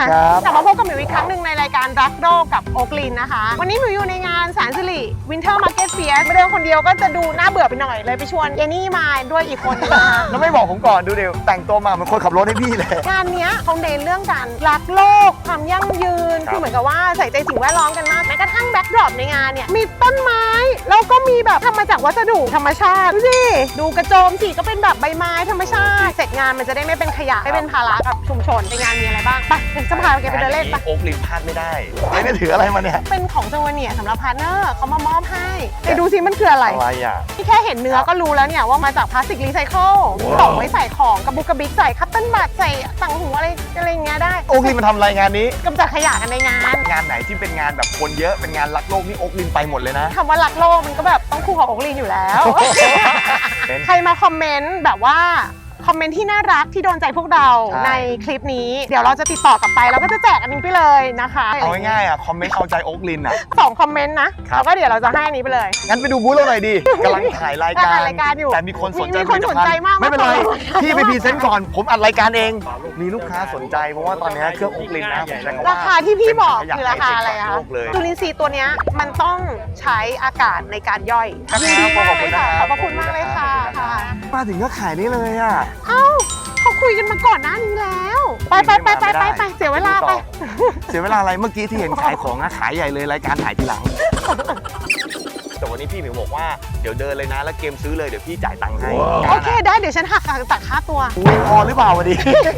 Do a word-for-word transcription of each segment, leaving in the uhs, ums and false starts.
ครับกลับมาพบกับหมิวอีกครั้งหนึ่งในรายการรักโลกกับโอ๊กลินนะคะวันนี้หมิวอยู่ในงานแสนสิริวินเทอร์มาร์เก็ตเฟียร์ไม่เดินคนเดียวก็จะดูน่าเบื่อไปหน่อยเลยไปชวนเยนี่มาด้วยอีกคนนึงนะคะแล้วไม่บอกผมก่อนดูเดี๋ยวแต่งตัวมาเหมือนคนขับรถให้พี่เลยงานเนี้ยเขาเน้นเรื่องการรักโลกความยั่งยืนครับคือเหมือนกับว่าใส่ใจสิ่งแวดล้อมกันมากแม้กระทั่งแบ็คดรอปในงานเนี่ยมีต้นไม้แล้วก็มีแบบทำมาจากวัสดุธรรมชาติดูสิดูกระโจมสิก็เป็นแบบใบไม้ธรรมชาติเสร็จงานมันจะได้ไม่เป็นขยะไม่เป็นภาระกับชุมชนในงานมีอะไรบ้างไปเดี๋ยวจะพาแกไปเดินเล่นไปโอ๊กลินพลาดไม่ได้ไม่ได้ถืออะไรมาเนี่ยเป็นของจังหวัดเนี่ยสำหรับพาร์ทเนอร์เขามามอบให้ไปดูสิมันคืออะไรอะไรอ่ะที่แค่เห็นเนื้อก็รู้แล้วเนี่ยว่ามาจากพลาสติกรีไซเคิลกล่องไว้ใส่ของกระบุกกระบิกใส่คัตเติ้ลบัตใส่ต่างหูอะไรอะไรอย่างเงี้ยได้โอ๊กลินมาทำรายงานนี้กำจัดขยะกันในงานงานไหนที่เป็นงานแบบคนเยอะเป็นงานรักโลกนี่โอ๊กลินไปหมดเลยนะคำว่ารักโลกมันก็แบบต้องคู่กับโอ๊กลินอยู่แล้ว ใครมาคอมเมนต์แบบว่าคอมเมนต์ที่น่ารักที่โดนใจพวกเราใช่ในคลิปนี้เดี๋ยวเราจะติดต่อกลับไปแล้วก็จะแจกอันนี้ไปเลยนะคะเอาง่ายๆอ่ะคอมเมนต์เข้าใจโอ๊กลินอ่ะสองคอมเมนต์นะครับ แล้วก็เดี๋ยวเราจะให้อันนี้ไปเลยงั้นไปดูบูธเราหน่อยดิกำลังถ่ายรายการถ่ายรายการอยู่แต่มีคนสนใจมีคนสนใจมากไม่เป็นไรมากพี่ไปพรีเซนต์ก่อนผมอัดรายการเอง มีลูกค้าสนใจเพราะว่าตอนนี้เครื่องโอ๊กลินนะผมใช้คำว่าราคาที่พี่บอกเป็นคือราคาอะไรอะโลกเลยจุลินทรีย์ตัวเนี้ยมันต้องใช้อากาศในการย่อยครับยินดีมากเลยค่ะขขออบบ คุพระคุณ ณมามาก กเลเลย ยค่ะค่ะค่ะมาถึงก็ขายนี่เลยอ่ะเอ้าเขาคุยกันมาก่อนหน้านี้แล้วไปไปไปไปไปไปเสียเวลาไปเสียเวลาอะไรเมื่อกี้ที่เห็นขายของอะขายใหญ่เลยรายการถ่ายทีหลัง แต่วันนี้พี่หมิวบอกว่าเดี๋ยวเดินเลยนะแล้วเกมซื้อเลยเดี๋ยวพี่จ่ายตังค์ให้โอเคได้เดี๋ยวฉันหักตัดค่าตัวอุ๊ยพอหรือเปล่าวันนี้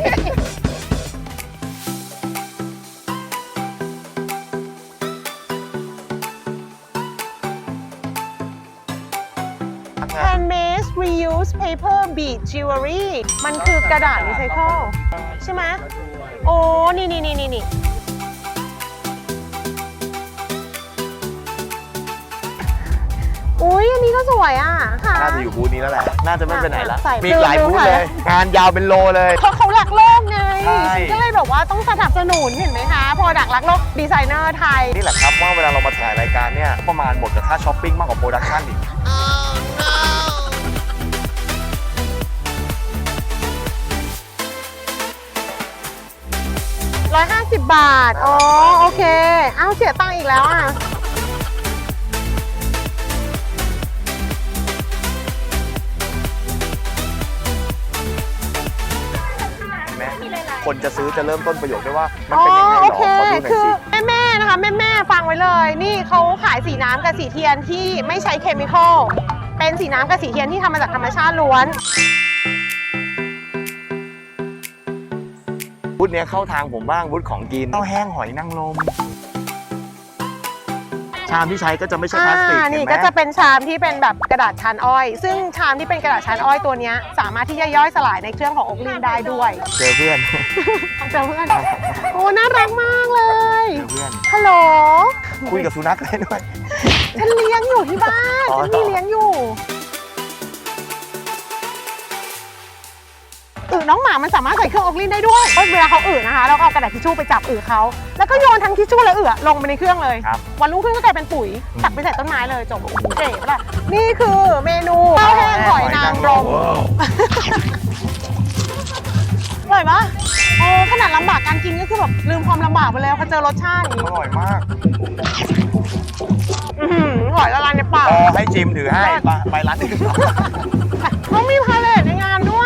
Handmade reuse paper bead jewelry มันคือกระดาษรีไซเคิลใช่ไหมโอ้นี่นี่นี่นี่นี่อุ้ยอันนี้ก็สวยอ่ะค่ะน่าจะอยู่บูธนี้แล้วแหละ น่าจะไม่ไปไหนละใส่มีหลายดูบูธค่ะเลย งานยาวเป็นโลเลยเพราะเขารักโลกไงใช่ก็เลยแบบว่าต้องสนับสนุนเห็นไหมคะพอดักรักโลกดีไซเนอร์ไทยนี่แหละครับว่าเวลาเรามาถ่ายรายการเนี่ยประมาณหมดกับค่าช้อปปิ้งมากกว่าโปรดักชั่นอีกร้อยห้าสิบบาท อ๋อ โอเค เอ้าเสียตังค์อีกแล้วอ่ะเห็นไหมคนจะซื้อจะเริ่มต้นประโยคได้ว่า มันอ๋อเป็นยังไงหรโออเคขอดูหน่อยคือสิแม่ๆนะคะ แม่ๆฟังไว้เลย นี่เขาขายสีน้ำกับสีเทียนที่ไม่ใช้เคมีคอล เป็นสีน้ำกับสีเทียนที่ทำมาจากธรรมชาติล้วนบูธเนี้ยเข้าทางผมบ้างบูธของกินข้าวแห้งหอยนางรมชามที่ใช้ก็จะไม่ใช่พลาสติกอ่าเห็นี่นไหมก็จะเป็นชามที่เป็นแบบกระดาษชานอ้อย ซึ่งชามที่เป็นกระดาษชานอ้อยตัวเนี้ยสามารถที่จะย่อยสลายในเครื่องของโอ๊กลินได้ด้วยเจอเพื่อนเจอเพื่อน โอ้ น่ารักมากเลยเจอเพื่อนฮัลโหลคุยกับสุนัขได้ด้วยฉันเลี้ยงอยู่ที่บ้านอ๋อฉันมีเลี้ยงอยู่อึน้องหมามันสามารถใส่เครื่องโอ๊กลินได้ด้วยเวลาเขาอึนะคะเราเอากระดาษทิชชู่ไปจับอึเขาแล้วก็โยนทั้งทิชชู่และอึลงไปในเครื่องเลยครับวันรุ่งขึ้นก็กลายเป็นปุ๋ยตักไปใส่ต้นไม้เลยจบเก๋ปะล่ะนี่คือเมนูข้าวแห้งหอยนางรมอร่อยปะโอ้ขนาดลำบากการกินก็คือแบบลืมความลำบากไปแล้วพอเจอรสชาติอย่างอนี้ร่อยมากอื้อหือหอยละลายในปากพอให้จิมถือให้ไปไปร้านอื่นเขามีพาเลทในงานด้วย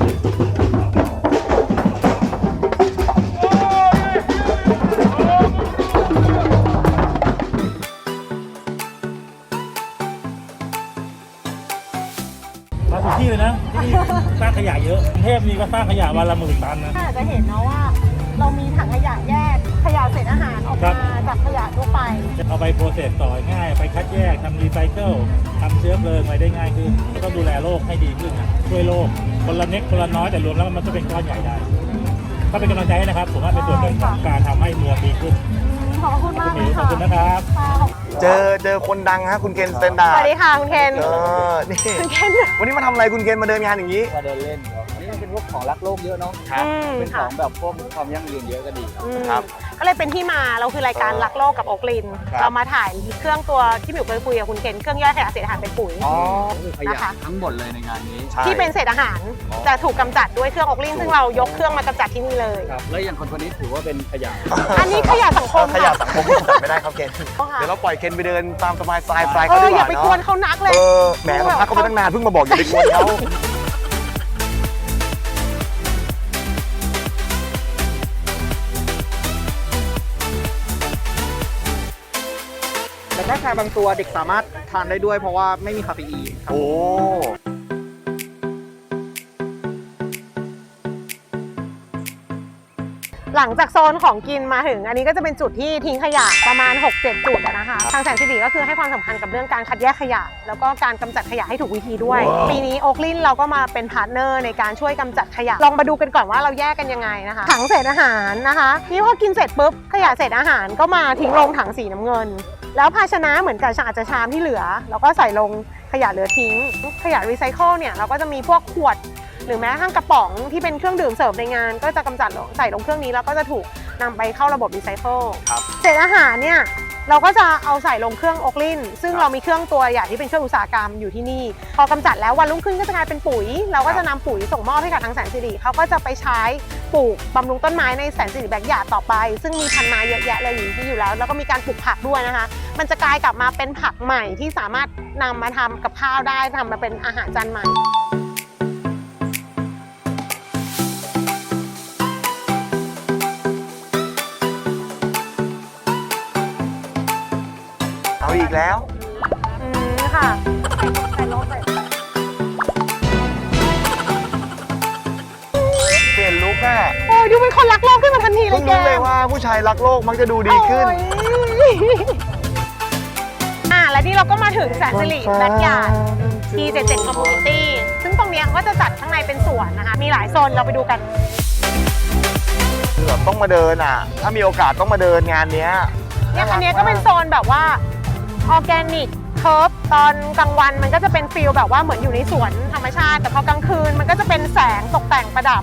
มาถูกที่เลยนะที่นี่สร้างขยะเยอะกรุงเทพนี่ก็สร้างขยะวันละหมื่นตันนะถ้าจะเห็นเนาะว่า เรามีถังขยะแยกขยะเศษอาหารออกมาจากขยะทั่วไปเอาไปโปรเซสต่อง่าย ไปคัดแยกทำรีไซเคิลทำเชื้อเพลิงอะไรได้ง่ายขึ้นก็ต้องดูแลโลกให้ดีขึ้นนะช่วยโลกคนละเน็กคนละน้อยแต่รวมแล้วมันก็เป็นก้อนใหญ่ได้ก็เป็นกำลังใจให้นะครับผมว่าเป็นส่วนหนึ่งของการทำให้เมืองดีขึ้นขอบคุณมากคุณหเลมิวย ขอบค่ะคุณนะครับเจอเจอคนดังฮะคุณเคนสแตนดาสร์ดวัสดีค่ะคุณเคนเออนี่คุณเคนวันนี้มาทำอะไรคุณเคนมาเดินงานอย่างนี้มาเดินเล่นครับอันนี้มันเป็นพวกของรักโลกเยอะเนาะครับอืมเป็นขค่ะองแบบพวกความยั่งยืนเยอะก็ดีครับอืมครับก็เลยเป็นที่มาเราคือรายการรักโลกกับโอ๊กลินครับเรามาถ่ายเครื่องตัวที่หมิวเคยคุยกับคุณเคนเครื่องย่อยขยะเศษอาหารเป็นปุ๋ยอ๋อคือขยะทั้งหมดเลยในงานนี้ใช่ที่เป็นเศษอาหารอ๋อจะถูกกำจัดด้วยเครื่องโอ๊กลินซึ่งเรายกเครื่องมากำจัดที่นี่เลยครับ แล้วอย่างคนคนนี้ถือว่าเป็นขยะอันนี้ขยะสังคมขยะค่ะสังคมที่ตัดไม่ได้ครับเคนเดี๋ยวเราปล่อยเคนไปเดินตามสบายสไตล์สไตล์เอเขาอดีกอย่าว่าไปเนาะกวนเขานักเลยเออแหมเราพักเขาไปตั้งนานเพิ่งมาบอกอย่าไปกวนเขาแต่ถ้าชาบางตัวเด็กสามารถทานได้ด้วยเพราะว่าไม่มีคาเฟอีนครับโอ้หลังจากโซนของกินมาถึง อันนี้ก็จะเป็นจุดที่ทิ้งขยะประมาณ หกเจ็ด จุดอะนะคะ ทางแสนสิริก็คือให้ความสำคัญกับเรื่องการคัดแยกขยะ แล้วก็การกำจัดขยะให้ถูกวิธีด้วย ปีนี้โอ๊กลินเราก็มาเป็นพาร์ทเนอร์ในการช่วยกำจัดขยะ ลองมาดูกันก่อนว่าเราแยกกันยังไงนะคะ ถังเศษอาหารนะคะนี่พอกินเสร็จปุ๊บขยะเศษอาหารก็มาทิ้งลงถังสีน้ำเงิน แล้วภาชนะเหมือนกับอาจจะชามที่เหลือเราก็ใส่ลงขยะเหลือทิ้ง ขยะรีไซเคิลเนี่ยเราก็จะมีพวกขวด หรือแม้กระทั่งกระป๋องที่เป็นเครื่องดื่มเสิร์ฟในงาน ก็จะกำจัดลงใส่ลงเครื่องนี้แล้วก็จะถูกนำไปเข้าระบบรีไซเคิลครับเศษอาหารเนี่ยเราก็จะเอาใส่ลงเครื่องโอ๊กลินซึ่งเรามีเครื่องตัวอย่างที่เป็นเครื่องอุตสาหกรรมอยู่ที่นี่ พอกำจัดแล้ววันรุ่งขึ้นก็จะกลายเป็นปุ๋ย เราก็จะนำปุ๋ยส่งมอบให้กับทางแสนสิริเขาก็จะไปใช้ปลูกบำรุงต้นไม้ในแสนสิริแบกหยาดต่อไป ซึ่งมีพันธุ์ไม้เยอะแยะเลยอยู่ที่อยู่แล้ว แล้วก็มีการปลูกผักด้วยนะคะ มันจะกลายกลับมาเป็นผักใหม่ที่สามารถนำมาทำกับข้าวได้ทำมาเป็นอาหารจานใหม่เอาอีกแล้วอืมค่ะใส่รถใส่เปลี่ยนลุคอะโอ้ยดูเป็นคนรักโลกขึ้นมาทันทีเลเพิ่ยงแกรู้เลยว่าผู้ชายรักโลกมักจะดูดีขึ้นโอ้ยอ่ะและนี่เราก็มาถึงแสนสิริแบทยาร์ด ที เจ็ดสิบเจ็ด Community ซึ่งตรงเนี้ยก็จะจัดข้างในเป็นสวนนะคะ มีหลายโซนเราไปดูกันคือแบบต้องมาเดินอ่ะ ถ้ามีโอกาสต้องมาเดินงานเนี้ยเนี่ยอันเนี้ยก็เป็นโซนแบบว่าออร์แกนิกเคิร์ฟตอนกลางวันมันก็จะเป็นฟิลแบบว่าเหมือนอยู่ในสวนธรรมชาติ แต่พอกลางคืนมันก็จะเป็นแสงตกแต่งประดับ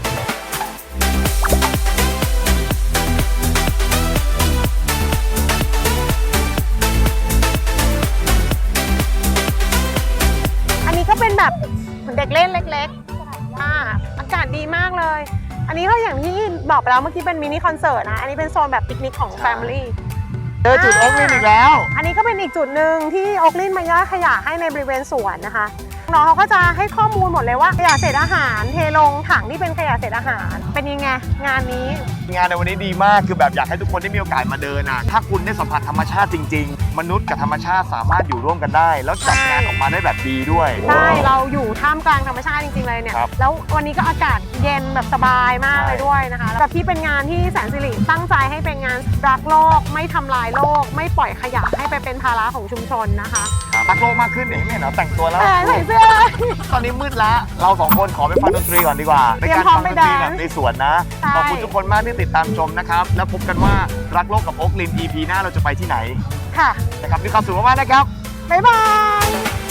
อันนี้ก็เป็นแบบเหมือนเด็กเล่นเล็กๆอ่าอากาศดีมากเลย อันนี้ก็อย่างที่บอกไปแล้วเมื่อกี้เป็นมินิคอนเสิร์ตนะ อันนี้เป็นโซนแบบปิกนิกของ Family เจอจุดโอ๊กลินอีกแล้วอันนี้ก็เป็นอีกจุดหนึ่งที่โอ๊กลินมาย่อยขยะให้ในบริเวณสวนนะคะ น้องเขาก็จะให้ข้อมูลหมดเลยว่าขยะเศษอาหารเทลงถังที่เป็นขยะเศษอาหาร เป็นยังไงงานนี้งานในวันนี้ดีมากคือแบบอยากให้ทุกคนได้มีโอกาสมาเดินอ่ะ ถ้าคุณได้สัมผัสธรรมชาติจริง ๆ มนุษย์กับธรรมชาติสามารถอยู่ร่วมกันได้ แล้วจัดงานออกมาได้แบบดีด้วยใช่ เราอยู่ท่ามกลางธรรมชาติจริงๆเลยเนี่ยครับแล้ววันนี้ก็อากาศเย็นแบบสบายมากเลยด้วยนะคะแล้วแบบที่เป็นงานที่แสนสิริตั้งใจให้เป็นงานรักโลก ไม่ทำลายโลก ไม่ปล่อยขยะให้ไปเป็นภาระของชุมชนนะคะครับรักโลกมากขึ้นเห็นไหมเนาะแต่งตัวแล้วแต่ใส่เสื้อตอนนี้มืดละเราสองคนขอไปฟังดนตรีก่อนดีกว่าเตรียมการพร้อมฟังไปดนตรีแดนซ์แบบในสวนนะใช่ขอบคุณทุกคนมากที่ติดตามชมนะครับ แล้วพบกันว่ารักโลกกับโอ๊กลิน อี พี หน้าเราจะไปที่ไหนค่ะนะครับมีความสุขมากๆนะครับบ๊ายบาย